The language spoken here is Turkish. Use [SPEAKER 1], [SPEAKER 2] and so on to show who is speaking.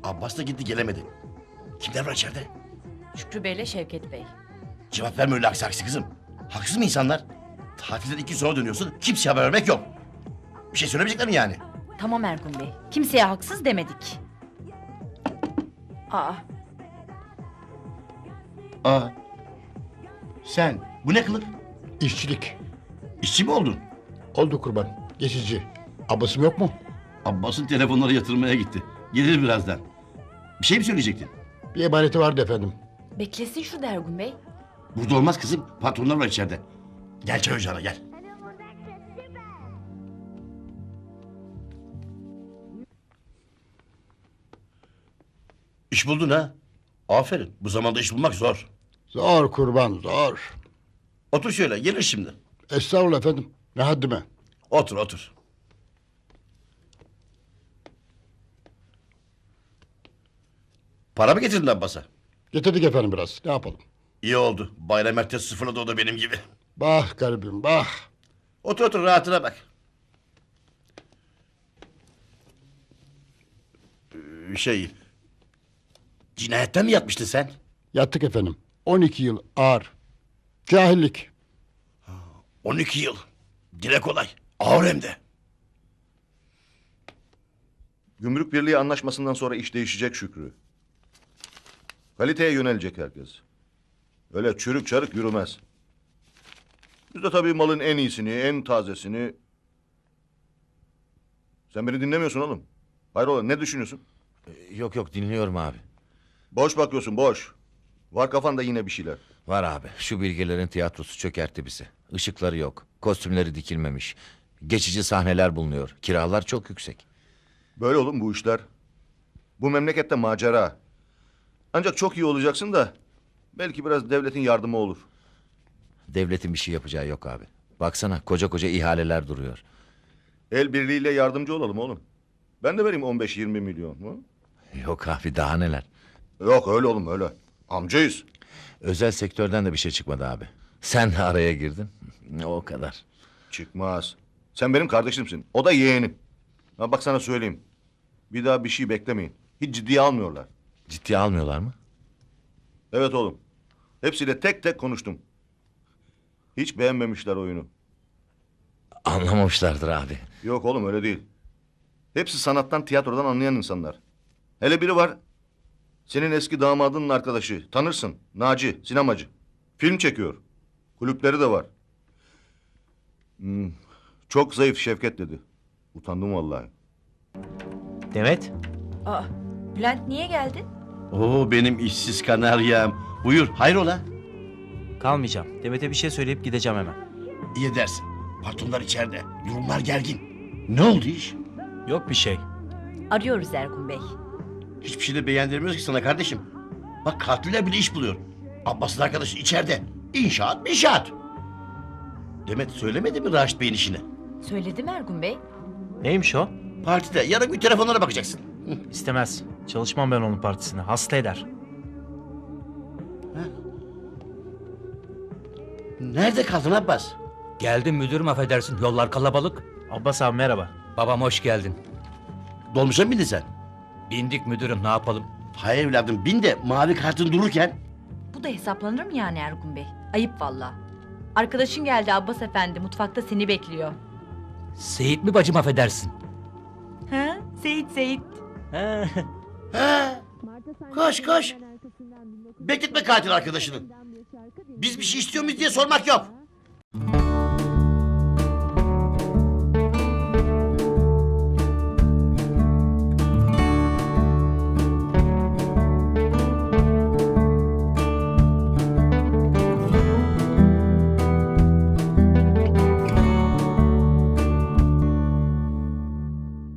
[SPEAKER 1] Abbas da gitti gelemedi. Kimler var içeride?
[SPEAKER 2] Şükrü Bey'le Şevket Bey.
[SPEAKER 1] Cevap verme öyle aksi aksi kızım. Haksız mı insanlar? Tatilden 2 gün sonra dönüyorsun. Kimseye haber vermek yok. Bir şey söylemeyecekler mi yani?
[SPEAKER 2] Tamam Ergun Bey. Kimseye haksız demedik. Aa,
[SPEAKER 1] Aa. Sen bu ne kılık?
[SPEAKER 3] İşçilik.
[SPEAKER 1] İşçi mi oldun?
[SPEAKER 3] Oldu kurban. Geçici. Abbasım yok mu?
[SPEAKER 1] Abbas'ın telefonları yatırmaya gitti. Gelir birazdan. Bir şey mi söyleyecektin?
[SPEAKER 3] Bir emaneti vardı efendim.
[SPEAKER 2] beklesin şurada Ergun Bey.
[SPEAKER 1] Burada olmaz kızım. Patronlar var içeride. Gel çay ocağına gel. İş buldun ha? Aferin. Bu zamanda iş bulmak zor.
[SPEAKER 3] Zor kurban zor.
[SPEAKER 1] Otur şöyle. Gelir şimdi.
[SPEAKER 3] Estağfurullah efendim. Ne haddime.
[SPEAKER 1] Otur otur. Para mı getirdin Abbas'a?
[SPEAKER 3] Getirdik efendim biraz. Ne yapalım?
[SPEAKER 1] İyi oldu. Bayram ertesi sıfırladı o da benim gibi.
[SPEAKER 3] Bah garibim bah.
[SPEAKER 1] Otur otur rahatına bak. Şey... Cinayetten mi yatmıştın sen?
[SPEAKER 3] Yattık efendim. 12 yıl ağır. Cahillik.
[SPEAKER 1] 12 yıl. Dile kolay. Ağır hem de.
[SPEAKER 4] Gümrük Birliği anlaşmasından sonra iş değişecek Şükrü. Kaliteye yönelecek herkes. Öyle çürük çarık yürümez. Biz de tabii malın en iyisini, en tazesini... Sen beni dinlemiyorsun oğlum. Hayrola ne düşünüyorsun?
[SPEAKER 5] Yok yok dinliyorum abi.
[SPEAKER 4] Boş bakıyorsun boş. Var kafanda yine bir şeyler.
[SPEAKER 5] Var abi şu bilgelerin tiyatrosu çökertti bizi. Işıkları yok. Kostümleri dikilmemiş. Geçici sahneler bulunuyor. Kiralar çok yüksek.
[SPEAKER 4] Böyle oğlum bu işler. Bu memlekette macera. Ancak çok iyi olacaksın da... Belki biraz devletin yardımı olur.
[SPEAKER 5] Devletin bir şey yapacağı yok abi. Baksana koca koca ihaleler duruyor.
[SPEAKER 4] El birliğiyle yardımcı olalım oğlum. Ben de vereyim 15-20 milyon. Hı?
[SPEAKER 5] Yok abi daha neler.
[SPEAKER 4] Yok öyle oğlum öyle. Amcayız.
[SPEAKER 5] Özel sektörden de bir şey çıkmadı abi. Sen de araya girdin. O kadar.
[SPEAKER 4] Çıkmaz. Sen benim kardeşimsin. O da yeğenim. Ha bak sana söyleyeyim. Bir daha bir şey beklemeyin. Hiç ciddiye almıyorlar.
[SPEAKER 5] Ciddiye almıyorlar mı?
[SPEAKER 4] Evet oğlum. Hepsiyle tek tek konuştum. Hiç beğenmemişler oyunu.
[SPEAKER 5] Anlamamışlardır abi.
[SPEAKER 4] Yok oğlum öyle değil. Hepsi sanattan, tiyatrodan anlayan insanlar. Hele biri var. Senin eski damadının arkadaşı. Tanırsın. Naci, sinemacı. Film çekiyor. Kulüpleri de var. Çok zayıf Şevket dedi. Utandım vallahi.
[SPEAKER 6] Demet,
[SPEAKER 2] Aa, Bülent niye geldin?
[SPEAKER 1] Oo benim işsiz kanaryam. Buyur hayrola?
[SPEAKER 6] kalmayacağım. Demet'e bir şey söyleyip gideceğim hemen.
[SPEAKER 1] İyi edersin. Patronlar içeride. Durumlar gergin. Ne oldu iş?
[SPEAKER 6] Yok bir şey.
[SPEAKER 2] Arıyoruz Ergun Bey.
[SPEAKER 1] Hiçbir şey de beğendirmiyoruz ki sana kardeşim. Bak katiller bile iş buluyor. Abbas'ın arkadaşı içeride. İnşaat. Demet söylemedi mi Raşit Bey'in işini?
[SPEAKER 2] Söyledim Ergun Bey.
[SPEAKER 6] Neymiş o?
[SPEAKER 1] Partide yarın bir telefonlara bakacaksın.
[SPEAKER 6] İstemez. Çalışmam ben onun partisine. Hasta eder.
[SPEAKER 1] Nerede kaldın Abbas?
[SPEAKER 7] Geldim müdürüm affedersin yollar kalabalık.
[SPEAKER 6] Abbas abi merhaba.
[SPEAKER 7] Babam hoş geldin.
[SPEAKER 1] Dolmuşa mı bindin sen?
[SPEAKER 7] Bindik müdürüm ne yapalım?
[SPEAKER 1] Hayır evladım bin de mavi kartın dururken.
[SPEAKER 2] Bu da hesaplanır mı yani Ergun Bey? Ayıp valla. Arkadaşın geldi Abbas Efendi. Mutfakta seni bekliyor.
[SPEAKER 7] Seyit mi bacım affedersin?
[SPEAKER 2] Ha? Seyit.
[SPEAKER 1] He. Koş. Bekletme katil arkadaşını. Biz bir şey istiyor muyuz diye sormak yok.